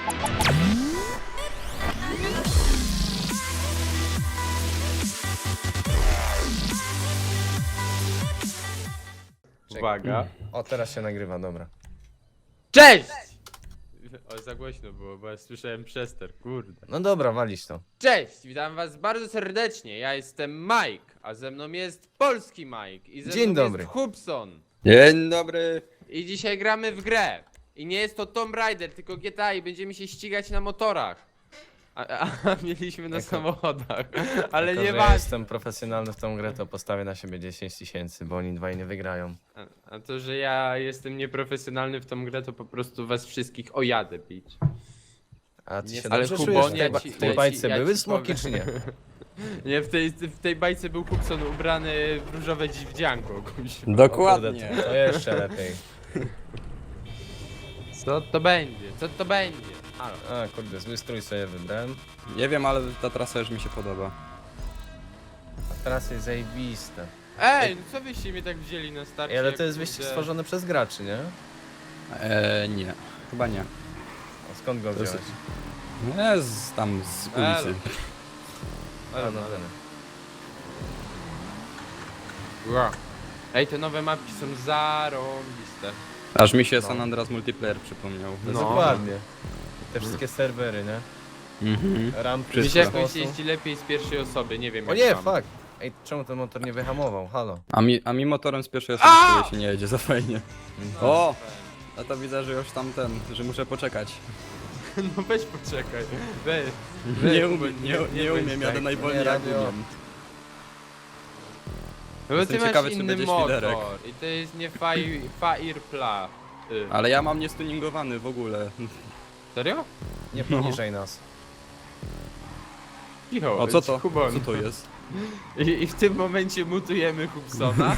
Uwaga. O, teraz się nagrywa, dobra. Cześć! O, za głośno było, bo ja słyszałem przester, kurde. No dobra, walić to. Cześć, witam was bardzo serdecznie, ja jestem Mike, a ze mną jest polski Mike i ze Dzień mną dobry. jest Hubson. Dzień dobry. I dzisiaj gramy w grę. I nie jest to Tomb Raider, tylko GTA i będziemy się ścigać na motorach. A mieliśmy na Jako- samochodach, ale Jako, nie że ja ważne. jestem profesjonalny w tą grę, to postawię na siebie 10 000, bo oni dwaj nie wygrają. A to, że ja jestem nieprofesjonalny w tą grę, to po prostu was wszystkich ojadę bić. A ty Nie, się ale dobrze Kubonie, czujesz? W tej, ja ba- ci- w tej ja ci- bajce ja były ci smoki, powiem. czy nie? Nie, w tej bajce był Hubson ubrany w różowe dziwdzianko, kuś. Dokładnie. O kurde, to jeszcze lepiej. Co to będzie? Co to będzie? Halo. A kurde, zły strój sobie wybrałem. Nie wiem, ale ta trasa już mi się podoba. A teraz jest zajebiste. Ej, no co wyście mnie tak wzięli na starcie? Ej, ale jak to jest wyścig kurde- stworzony przez graczy, nie? Nie. Chyba nie. A skąd go To jest- wziąłeś? Nie, tam z ulicy. A, Ale no, no. dobra. Ła. Ej, te nowe mapki są zarąbiste. Aż mi się No. San Andreas Multiplayer przypomniał. No, No. dokładnie. Te wszystkie serwery, nie? Mhm. Rampy, Mi się Wszystko. jakoś jeździ lepiej z pierwszej osoby, nie wiem O jak nie, wam. fuck! Ej, czemu ten motor nie wyhamował? Halo. A mi motorem z pierwszej osoby A! się nie jedzie za fajnie. No, O! A to widzę, że już tam że muszę poczekać. No weź poczekaj. Weź. Nie, Kuba, nie bądź umiem, tak. jadę najwolniej Nie, jak radio. umiem. No bo Jestem ty masz ciekawy, czy inny będzie motor świderek. i to jest nie Firepla. Ale ja mam niestuningowany w ogóle. Serio? Nie No. poniżej nas. Cicho, O, co to? Kubon. Co to jest? I w tym momencie mutujemy Hubsona.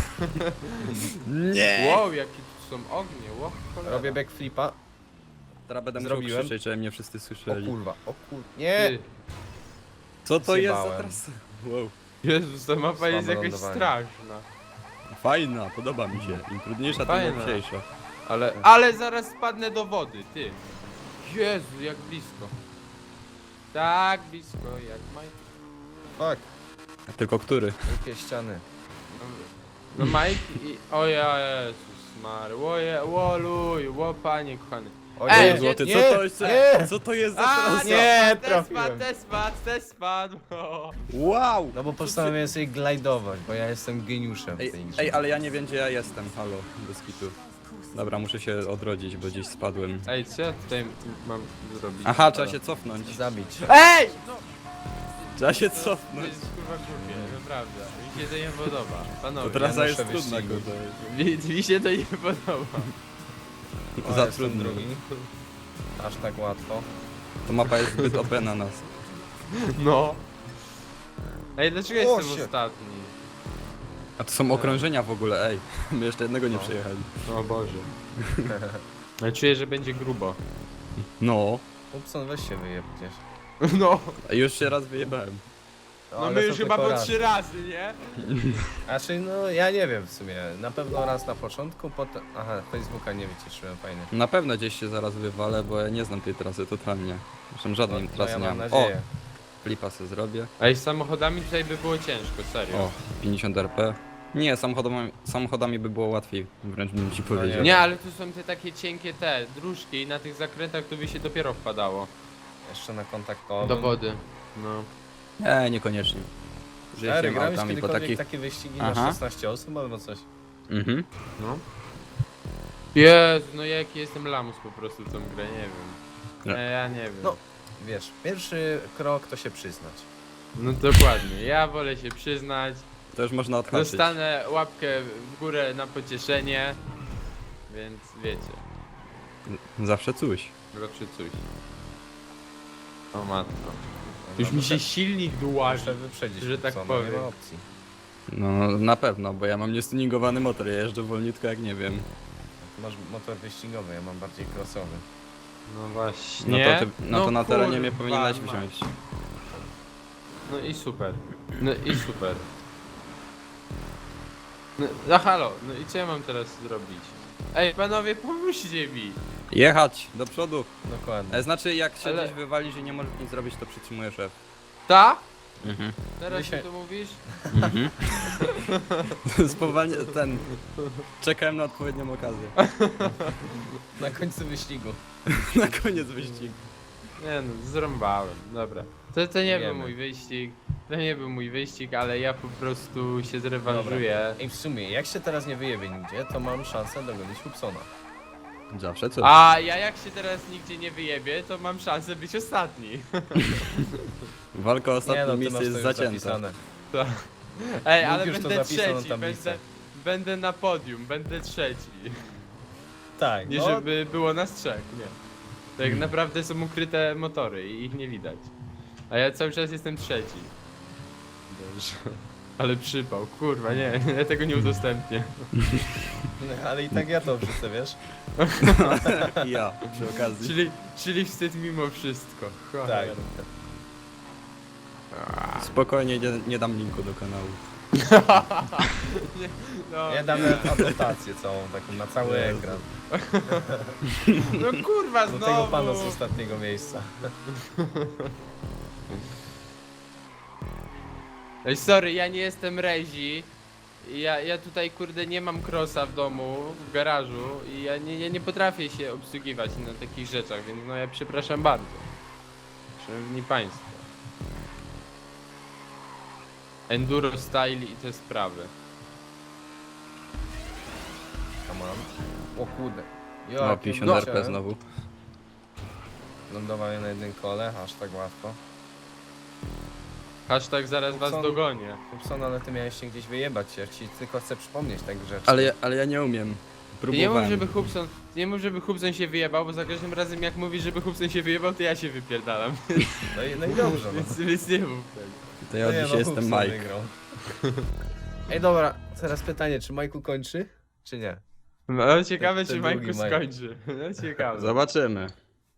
Nie! Wow, jakie tu są ognie, wow, cholera. Robię backflipa. Teraz będę musiał Zrobiłem. krzyczeć, żeby mnie wszyscy O słyszeli. kurwa, o kur... Nie! Ty, Co to jest za Zjebałem. trasa? Wow. Jezus, ta mapa jest Słabe jakaś lądowanie. straszna. Fajna, podoba mi się. Im trudniejsza, tym Fajna. łatwiejsza. Ale zaraz spadnę do wody, ty. Jezu, jak blisko. Tak blisko, jak Mike. Fuck, Tylko który? wielkie ściany. No Mike i... O ja, Jezus Mary, łoluj, panie kochany. O Ej, nie, Złoty, nie, co to jest? nie! Co to jest za A, trasa? nie, te trafiłem. spadł. O. Wow! No bo postanowiłem sobie glajdować, bo ja jestem geniuszem w Ej, tej grze. ej, ale ja nie wiem, gdzie ja jestem, halo, bez kitu. Dobra, muszę się odrodzić, bo gdzieś spadłem. Ej, co ja tutaj mam zrobić? Aha, trzeba się cofnąć. Zabić. Ej! No, Trzeba się to cofnąć. jest kurwa głupie, naprawdę. Mi się to nie podoba. To Panowie, trasa ja jest muszę trudna, wyścigu. kurde. mi się to nie podoba. O, Za jestem trudno. drugi. Aż tak łatwo. To mapa jest zbyt OP na nas. No. Ej, dlaczego O, jestem shit. ostatni? A to są okrążenia w ogóle, ej. My jeszcze jednego nie No. przejechali. O Boże. Ale czuję, że będzie grubo. No. Upson, weź się wyjeb gdzieś. No. A już się raz wyjebałem. No Ale my to już chyba tylko po raz. 3 razy, nie? Znaczy, no ja nie wiem w sumie. Na pewno raz na początku, potem... Aha, Facebooka nie wyciszyłem, fajnie. Na pewno gdzieś się zaraz wywalę, bo ja nie znam tej trasy totalnie. Zresztą żadnej No, trasy ja nie mam mam. nadzieję. Flipa sobie zrobię. Ej, z samochodami tutaj by było ciężko, serio. O, 50 RP. Nie, samochodami by było łatwiej, wręcz bym ci powiedział. Nie, ale tu są te takie cienkie te dróżki i na tych zakrętach to by się dopiero wpadało. Jeszcze na kontaktowym. Do wody. No. Nie, niekoniecznie. Stary, Żyjemy grałeś autami po kiedykolwiek takich... takie wyścigi Aha. na 16 osób albo coś? Mhm. No. Jezu, no jaki jestem lamus po prostu w tą grę, nie wiem. Nie. Ja nie wiem. No. Wiesz, pierwszy krok to się przyznać. No dokładnie, ja wolę się przyznać. To już można odhaczyć. Dostanę łapkę w górę na pocieszenie. Więc wiecie, Zawsze coś. zawsze coś. O matko. Już mi się silnik Muszę dłaży. wyprzedzić, że tak Upsona, powiem. Nie ma opcji. No na pewno, bo ja mam niestuningowany motor, ja jeżdżę wolniutko jak nie wiem. Ty masz motor wyścigowy, ja mam bardziej crossowy. No No właśnie. to na terenie mnie kurwa powinieneś mać. wziąć. No i super. No i super. No halo, no i co ja mam teraz zrobić? Ej, panowie, pomóżcie mi! Jechać, do przodu. Dokładnie. Znaczy jak się Ale- gdzieś wywalisz i nie możesz nic zrobić, to przytrzymuje szef. Ta? Mhm. Teraz Dzisiaj- ty to mówisz? Spowalnie, czekałem na odpowiednią okazję. Na końcu wyścigu. Na koniec wyścigu. Nie no, zrąbałem, dobra. To nie był Wiemy. mój wyścig. To nie był mój wyścig, ale ja po prostu się zrewanżuję. I w sumie, jak się teraz nie wyjebie nigdzie, to mam szansę dogonić Hubsona. Zawsze co? A ja jak się teraz nigdzie nie wyjebię, to mam szansę być ostatni. Walka o ostatnie Nie no, ty miejsce masz to jest już zacięta. zapisane. To... Ej, Bóg ale już to będę zapisał na trzeci, tablicę. będę na podium, będę trzeci. Tak, Nie no, żeby było nas trzech, nie. Tak naprawdę są ukryte motory i ich nie widać. A ja cały czas jestem trzeci. Boże. Ale przypał, kurwa, nie, ja tego nie udostępnię. ale i tak ja to wrzucę, wiesz? I ja, przy okazji. Czyli wstyd mimo wszystko. Tak. Cholera. Spokojnie, nie dam linku do kanału. Nie, no, Ja dam nawet adnotację całą, taką na cały Jezu. ekran. no kurwa, Do znowu! tego pana z ostatniego miejsca. Ej, sorry, ja nie jestem Rezi. Ja tutaj kurde nie mam crossa w domu, w garażu i ja nie potrafię się obsługiwać na takich rzeczach, więc no ja przepraszam bardzo. Szanowni Państwo. Enduro style i te sprawy. Come on. O kurde. No, Jakie 50 RP wleciałem. znowu. Lądowanie na jednym kole, aż tak łatwo. Hashtag zaraz was Co? dogonię. Hubson, ale ty miałeś się gdzieś wyjebać, ja ci tylko chcę przypomnieć tak grzecznie. Ale ja nie umiem. Ty nie mów, Próbowałem. żeby Hubson się wyjebał, bo za każdym razem jak mówisz, żeby Hubson się wyjebał, to ja się wypierdalam. No i dobrze, no. Więc nie mów tak. To ja od No nie, dzisiaj no, jestem Hubson Mike. wygrał. Ej, dobra, teraz pytanie, czy Majku kończy, czy nie? No ciekawe, Ten czy drugi Majku Mike. skończy. No ciekawe. Zobaczymy.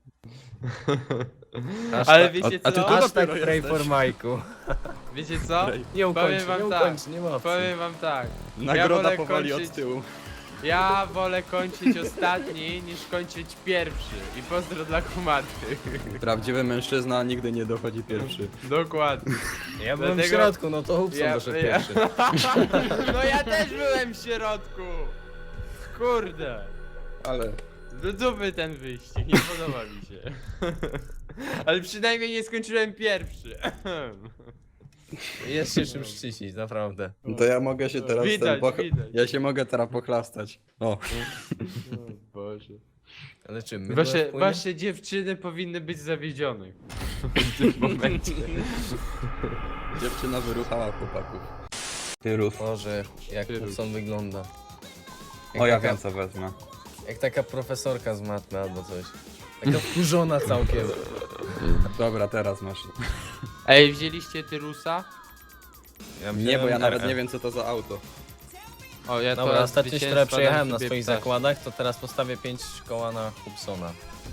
Ale wiecie a ty co? tu Hashtag dopiero pray jesteś. for Majku. Wiecie co? Nie ukończy, Powiem wam nie tak. ukończy, nie ma opcji. Powiem wam tak. Nagroda wolę powoli kończyć- od tyłu. Ja wolę kończyć ostatni niż kończyć pierwszy. I pozdro dla kumaty. Prawdziwy mężczyzna nigdy nie dochodzi pierwszy. Dokładnie. Ja byłem w Dlatego- środku, no to Hubson doszedł pierwszy. No ja też byłem w środku. Kurde. Ale... Do dupy ten wyścig, nie podoba mi się. Ale przynajmniej nie skończyłem pierwszy. Jest się czym szczycić, naprawdę. To ja mogę się teraz... Widać, widać. Ja się mogę teraz pochlastać. O. O Boże. Ale czym? My Wasze dziewczyny powinny być zawiedzione. W tym momencie. Dziewczyna wyruchała chłopaków. Tyrów. Boże, jak Ty Hubson wygląda. Jak O, ja taka- wiem co wezmę. Jak taka profesorka z matmy albo coś. Taka wkurzona całkiem. Dobra, teraz masz. Ej, wzięliście Tyrusa? Nie, bo ja nawet nie wiem co to za auto. O, ja Dobra, to ostatnio się zwycięstwa trochę przejechałem dam na sobie swoich ptaszki. zakładach, to teraz postawię 5 koła na Hubsona.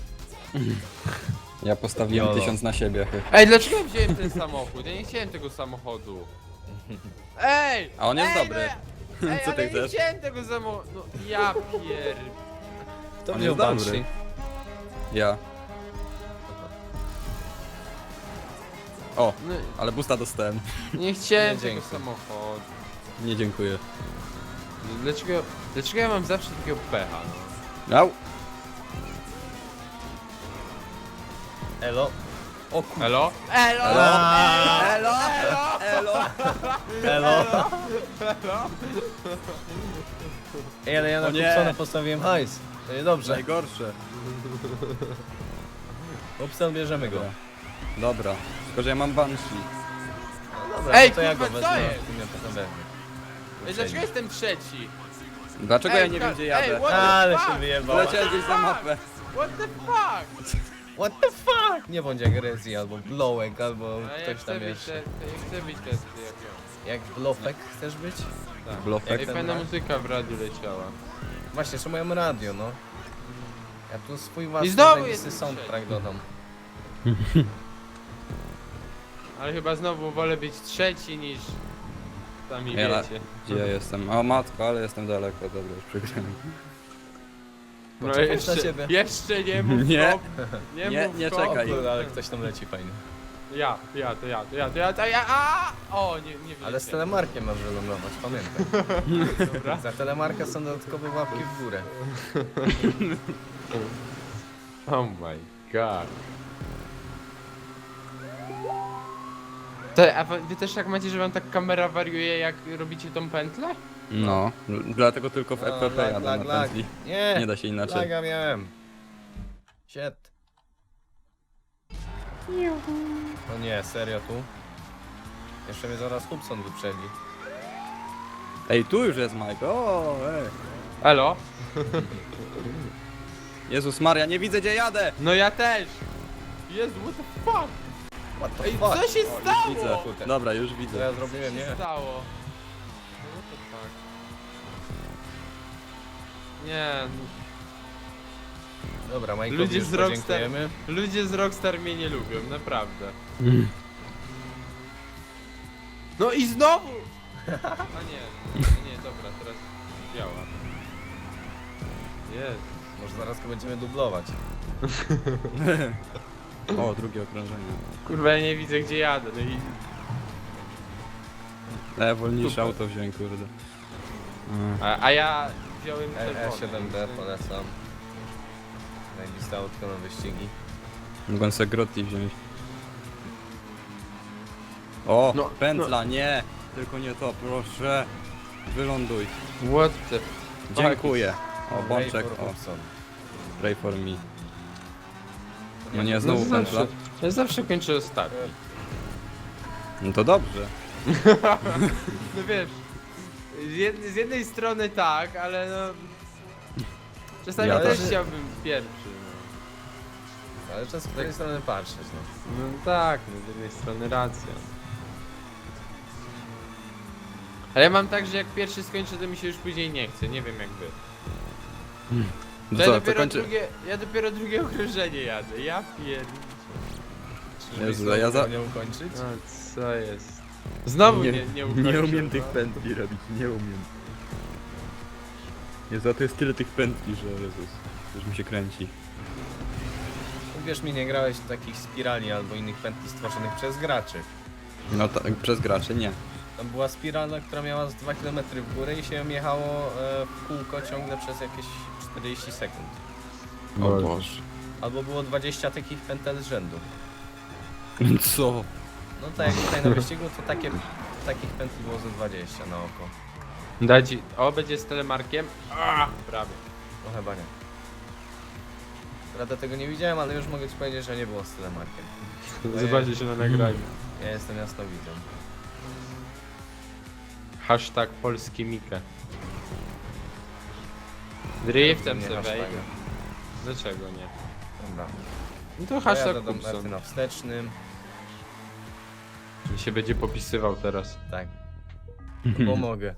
Ja postawiłem Jolo. 1000 na siebie. Ej, dlaczego ja wziąłem ten samochód? Ja nie chciałem tego samochodu. Ej! A on jest ej, dobry. No ja, ej, Co ale ty nie chcesz? chciałem tego samochodu. No, ja pier... To On wziął jest dobry. Banshee. Ja. O, No, ale busta dostałem. nie chciałem Nie, tego dzięki. samochodu. Nie dziękuję. Dlaczego ja mam zawsze takiego pecha? No? Au! Elo. O kur... Elo? Elo! Elo! Elo! Elo! Elo. Ej, ale ja na O nie. Hubsona postawiłem hajs. To nie dobrze. Najgorsze. Hubson, bierzemy go. Dobra. Tylko, że ja mam Banshee. Dobra, Ej, no to ja go kurwa, co wezmę. jest? Ty mnie potem weźmie. Ej, dlaczego jestem trzeci? Dlaczego ja nie wiem gdzie jadę? what the Ale fuck? się wyjebał. Leciałem gdzieś za mapę. What the fuck? What the fuck? Nie bądź jak Rezi, albo Blowek, albo A ja ktoś chcę tam być, jeszcze. ja chcę być testy jak ja. Jak Blowek chcesz być? Tak. Blofek. Ej, ten fajna raz? muzyka w radiu leciała. Właśnie, jeszcze moją radio, no. Ja tu swój własny znowu zajebisty jest soundtrack dodam. Ale chyba znowu wolę być trzeci niż... Sami Ja- wiecie. Gdzie ja jestem? O matko, ale jestem daleko. Dobra, już przegrałem. No Poczekaj na jeszcze, ciebie. jeszcze nie mów Nie. stop. Nie mów nie stop. czekaj. Kurde, ale ktoś tam leci fajnie. Ja, a! O, nie Ale z wiedziałem. telemarkiem masz wylądować, pamiętaj. Dobra. Za telemarkę są dodatkowe łapki w górę. Oh my god. To, a wy też tak macie, że wam tak kamera wariuje, jak robicie tą pętlę? No, dlatego tylko w No, EPP lag, jadę lag, na lag. pętli. Nie, Nie da się inaczej. laga miałem. Shit. No nie, serio tu? Jeszcze mnie zaraz Hubson wyprzedzi. Ej, tu już jest Mike. O, ej. Elo? Jezus Maria, nie widzę gdzie jadę! No ja też! Jezu, what the fuck? What the Ej, fuck? co się stało? Widzę. kurde. Dobra, już Co widzę. ja Co zrobiłem, się nie? stało? No what the fuck? Nie, Dobra, Mike'owi Ludzie już z Rockstar- podziękujemy. ludzie z Rockstar mnie nie lubią, naprawdę. No i znowu! A nie, dobra, teraz działa. Jest. Może zaraz go będziemy dublować. O, drugie okrążenie. Kurwa, ja nie widzę gdzie jadę, no i... Wolniejsze Super. auto wziąłem, kurde. A ja wziąłem czerwone. E7D polecam. Najbliższe autko na wyścigi. Mogłem sobie Grotti wziąć. O, No, pętla, nie! Tylko nie to, proszę. Wyląduj. What the... Dziękuję. O, Ray bączek, for o, Hubson. pray for me. No Nie, nie, znowu No pętla. ja zawsze kończę ostatni. No to dobrze. No wiesz, z jednej strony tak, ale no... Czasami Ja też też. chciałbym pierwszy, no. Ale czas z tej strony patrzeć, no. No tak, no z jednej strony racja. Ale ja mam tak, że jak pierwszy skończę, to mi się już później nie chce, nie wiem jak wy. No To co, ja, to dopiero kończy... ja dopiero drugie okrążenie jadę, ja pierniczę. Jezu, a ja za- nie ukończyć? No co jest? Znowu nie ukończę, nie umiem tych no. pętli robić, nie umiem. Jezu, a to jest tyle tych pętli, że Jezus, już mi się kręci. Wiesz mi, nie grałeś w takich spirali albo innych pętli stworzonych przez graczy. No tak, przez graczy nie. Tam była spirala, która miała z 2 km w górę i się ją jechało w kółko ciągle przez jakieś 40 sekund. O Boże. Albo było 20 takich pętel z rzędu. Co? No tak jak tutaj na wyścigu, to takich pętli było ze 20 na oko. Daj ci, o będzie z telemarkiem. Prawie. No chyba nie. Prawda tego nie widziałem, ale już mogę ci powiedzieć, że nie było z telemarkiem. Zobaczcie się na nagraniu. Ja jestem jasnowidzą. Hashtag polski Mika. Driftem Nie se hashtaga. wejdę. Dlaczego nie? Dobra. No to hashtag Pojadę do Marty Kupson. na wstecznym. Mi się będzie popisywał teraz. Tak. Bo mogę.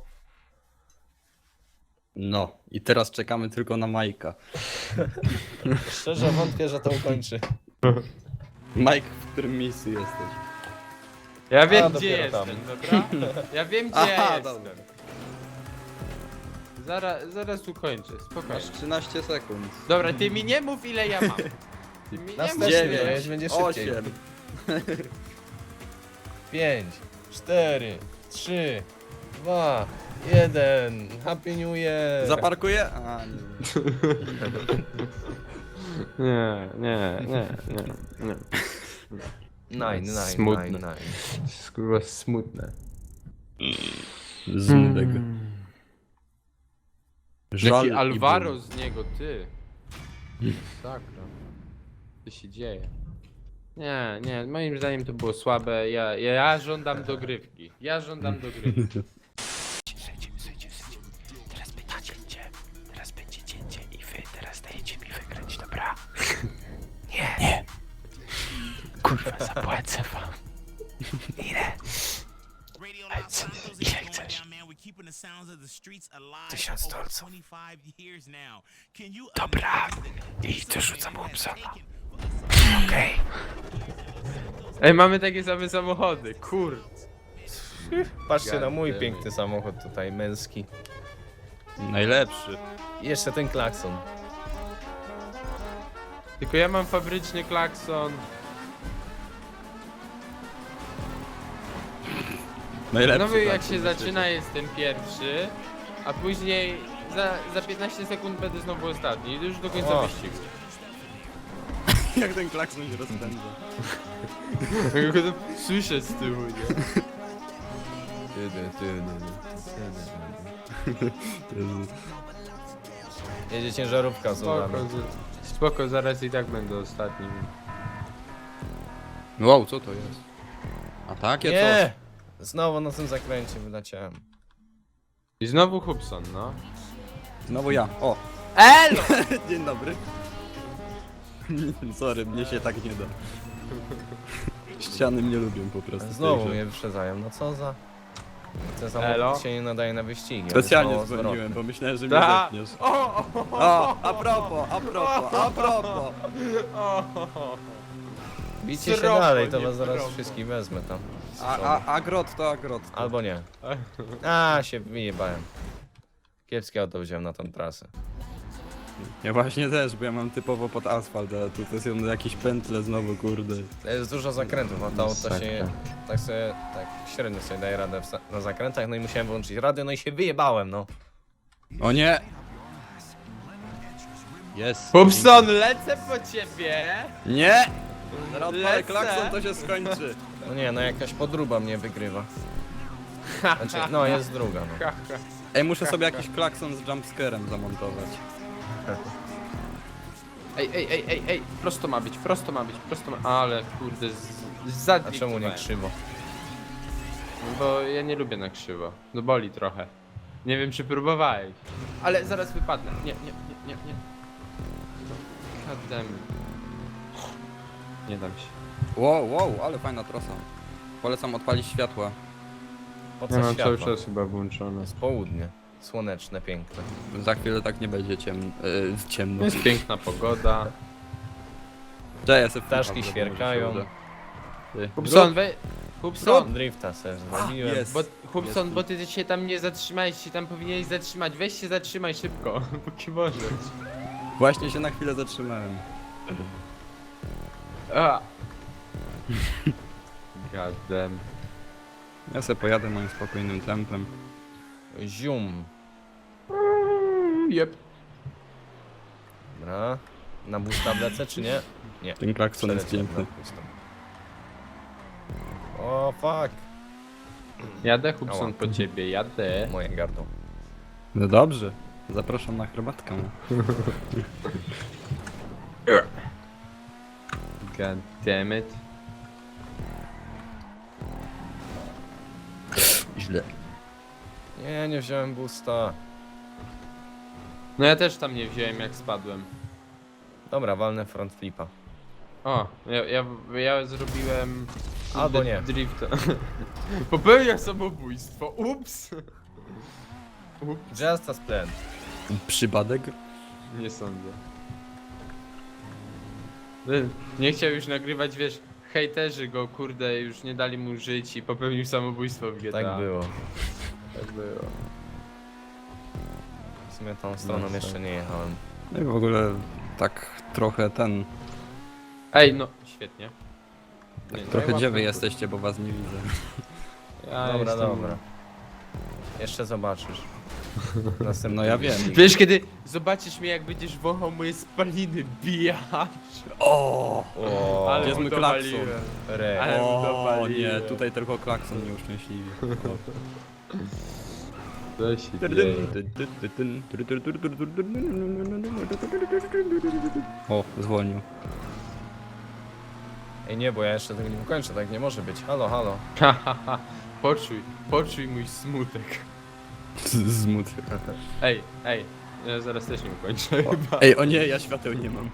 No, i teraz czekamy tylko na Majka. Szczerze wątpię, że to ukończy. Mike, w którym miejscu jesteś? Ja wiem gdzie dopiero jestem, tam. dobra? Ja wiem gdzie Aha, ja dobra. jestem. Zaraz ukończę, spokojnie. Masz 13 sekund. Dobra, ty mi nie mów ile ja mam. Ty mi Na nie mów wstecznym ile. dojeźdź, będzie szybciej. 8. 5, 4, 3, 2, 1. Happy New Year! Zaparkuję? A, nie. Nie. Nine. Smutne. Kurwa smutne. Zmudek. Jaki i Alvaro ból. z niego, ty. Sakra. Co się dzieje? Nie, moim zdaniem to było słabe. Ja żądam dogrywki. Ja żądam dogrywki. Teraz będzie cięcie i wy teraz dajecie mi wygrać, dobra? Nie. Kurwa, zapłacę wam. Ile? Ile chcesz? 1000 dolców. Dobra, i dorzucam Hubsona. Okej. Ej, mamy takie same samochody, kurde. Patrzcie na mój Goddammit. piękny samochód tutaj, męski. Najlepszy. I jeszcze ten klakson. Tylko ja mam fabryczny klakson. Najlepszy No jak klakson się na zaczyna, jestem pierwszy, a później za 15 sekund będę znowu ostatni. I już do końca O. wyścigu. świecie. Jak ten klakson się rozpędza. Ja go tam słyszę z tyłu, nie? Jezu. Jedzie ciężarówka z Spoko, nami. spoko, zaraz i tak będę ostatni. Wow, co to jest? A takie Nie! Znowu na tym zakręcie wyleciałem. I znowu Hubson, no. coś? Znowu ja. O! Elo! Dzień dobry. Sorry, mnie się tak nie da. Ściany mnie lubią po prostu. Znowu Także mnie wyprzedzają, no co za... Ten Elo? samochód się nie nadaje na wyścigi. Specjalnie on jest mało dzwoniłem, bo myślałem, że mnie Ta. zepniesz. O! O, a propos. Bicie się Srogo, dalej, to nie was zaraz propo. wszystkich wezmę tam. Agrot to agrot. Albo nie. A, się wyjebałem. Kiepskie auto wziąłem na tą trasę. Ja właśnie też, bo ja mam typowo pod asfalt, a tu to są jakieś pętle znowu, kurde. To jest dużo zakrętów, a to auto się Masakra. tak sobie, tak średnio sobie daje radę na zakrętach, no i musiałem wyłączyć radio, no i się wyjebałem, no. O nie! Jest. Hubson, lecę po ciebie! Nie! Zaraz odpalę Lecę. klakson, to się skończy. No nie, no jakaś podróba mnie wygrywa. Znaczy, no jest druga, no. Ha, ha. Ej, muszę sobie jakiś klakson z jumpscarem zamontować. Ej, prosto ma być, prosto ma być, prosto ma... Ale kurde, A zadriftowałem. czemu nie krzywo? No bo ja nie lubię na krzywo. No boli trochę. Nie wiem czy próbowałeś. Ale zaraz wypadnę. Nie. God damn it. Nie dam się. Wow, ale fajna trasa. Polecam odpalić światła. Po co światło? chyba włączone. Jest południe. Słoneczne, piękne. Za chwilę tak nie będzie ciemno. Jest piękna pogoda. Cześć, ja sobie Ptaszki wpadłem, świerkają. może się uda. Ty. Hubson, Hubson! Drifta se zrobiłem. jest. Bo, Hubson, Jest. bo ty się tam nie zatrzymałeś, się tam powinieneś zatrzymać. Weź się zatrzymaj szybko, póki możesz. Właśnie się na chwilę zatrzymałem. A. God damn. Ja sobie pojadę moim spokojnym tempem. Zium. Jep. Dobra. Na boosta wlecę, czy nie? Nie. Ten klakson jest Przeleciałem piękny. na boosta. O, fuck. Jadę, Hubson, Ała. po ciebie, jadę. Moje gardło. No dobrze. Zapraszam na herbatkę. God damn it. Źle. Nie, nie wziąłem boosta. No ja też tam nie wziąłem jak spadłem. Dobra, walnę front flipa. O, ja zrobiłem... Albo nie. Drifta. Popełniam samobójstwo, ups! Ups, Just as planned. Przypadek? nie sądzę. Nie chciał już nagrywać, wiesz, hejterzy go, kurde, już nie dali mu żyć i popełnił samobójstwo w GTA. Tak było. Tak było. W sumie tą stroną jeszcze nie jechałem. No i w ogóle tak trochę ten... Ej, no, świetnie. Nie, no, Trochę ja dziewy łapkę, jesteście, bo was nie widzę. Ja Dobra, jestem- dobra. Jeszcze zobaczysz. Następny No ja wiem. wyścig. Wiesz, kiedy zobaczysz mnie, jak będziesz wąchał moje spaliny, bijacz. O! O, Ale Gdzie jest mu mój klakson? dowaliłem. re. Ale mu O dowaliłem. nie, tutaj tylko klakson mnie uszczęśliwi. Co się dzieje? O, zwolnił. Ej, nie, bo ja jeszcze tego nie ukończę, tak nie może być. Halo, halo. Poczuj mój smutek. Zmut. Ej, ja zaraz też nie ukończę chyba. Ej, o nie, ja świateł nie mam.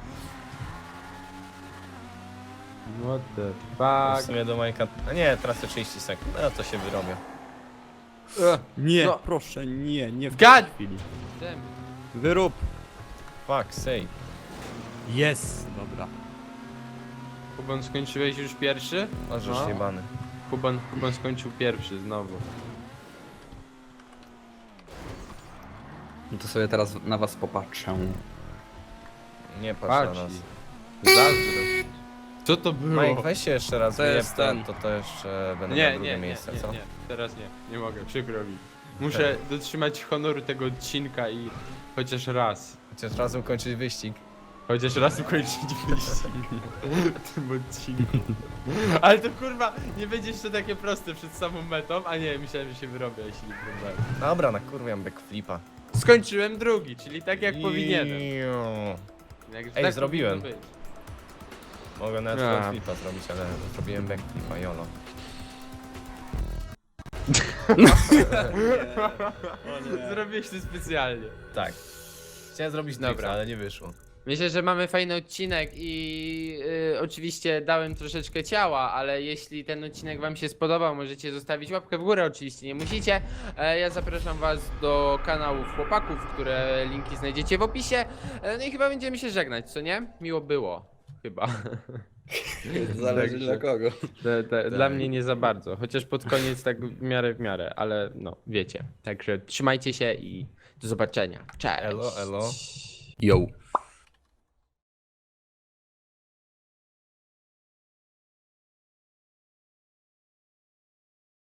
What the W fuck? sumie do Majka... A nie, tracę 30 sekund. No to się wyrobię. Nie, No. proszę, nie w God! tej chwili. Damn. Wyrób. Fuck, say. Jest. Dobra. Kuban, skończyłeś już pierwszy? Możesz No. jebany. Kuban skończył pierwszy znowu. No to sobie teraz na was popatrzę. Nie patrz na Patrz. nas. Zazdro. Co to było? Mike, weź się jeszcze raz, To jest ten. to jeszcze będę Nie, na nie, drugie nie, miejsce, nie, co? nie, teraz nie mogę, przykro mi. Muszę dotrzymać honoru tego odcinka i chociaż raz Chociaż ukończyć wyścig. ukończyć wyścig w tym odcinku. Ale to kurwa, nie będzie jeszcze takie proste przed samą metą, a nie, myślałem, że się wyrobię, jeśli nie próbowałem. Dobra, nakurwiam backflipa. Skończyłem drugi, czyli tak jak powinienem. Iu. Jak, Ej, tak zrobiłem. powinno być. Mogę nawet A. frontflipa zrobić, ale zrobiłem backflipa, jolo. Zrobiłeś to specjalnie. Tak. Chciałem zrobić Dobra. drifta, ale nie wyszło. Myślę, że mamy fajny odcinek i oczywiście dałem troszeczkę ciała, ale jeśli ten odcinek wam się spodobał, możecie zostawić łapkę w górę, oczywiście nie musicie. Ja zapraszam was do kanałów chłopaków, które linki znajdziecie w opisie. No i chyba będziemy się żegnać, co nie? Miło było. Chyba. Zależy Także- dla kogo. Dla mnie nie za bardzo, chociaż pod koniec tak w miarę, ale no, wiecie. Także trzymajcie się i do zobaczenia. Cześć! Elo, elo. Yo.